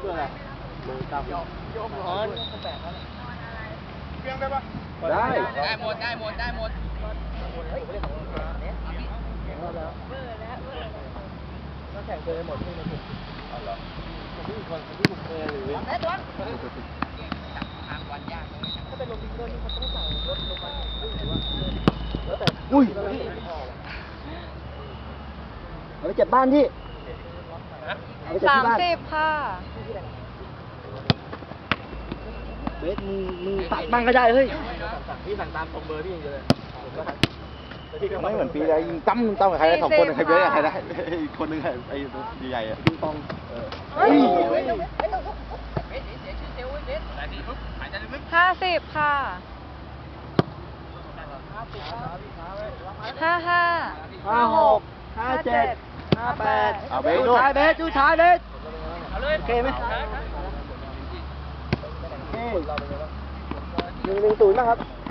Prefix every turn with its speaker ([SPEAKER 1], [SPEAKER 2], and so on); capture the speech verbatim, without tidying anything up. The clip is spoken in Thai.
[SPEAKER 1] เพื่ออะไรมือตามโยมโยมร้อนแปลกแล้วเพียงได้ปะได้ได้หมดได้หมดได้หมดเฮ้ยเนี่ยแล้วเบอร์แล้วเบอร์ก็แข่งเคยหมดที่ในกลุ่มอ๋อเหรอผมที่คนที่ผมเคยหรือแม่ตัวจับทางวันยากเลยถ้าเป็นลงดิงเกอร์นี่เขาต้องสั่งรถลงมาหรือว่าแล้วแต่อุ้ยเอาไปเก็บบ้านที่สามสิบค่ะเบสมึงมึงตัดบ้างก็ได้เฮ้ยพี่สั่งตามตรงเบอร์พี่อย่างเดียวเลยไม่เหมือนปีใดยิงตั้มตั้มกับใครได้สองคนใครเบสกับใครได้อีกคนนึงไอ้ตัวใหญ่ๆอ่ะปิงปองเฮ้ย
[SPEAKER 2] ห้าสิบค่ะห้าห้า
[SPEAKER 1] ห้าหกห้าเจ็ดห้าแปดเอาเบสดูชายเบสดูชายเบสโอเคไหมโอเคหนึ่งหนึ่งศูนย์นะครับ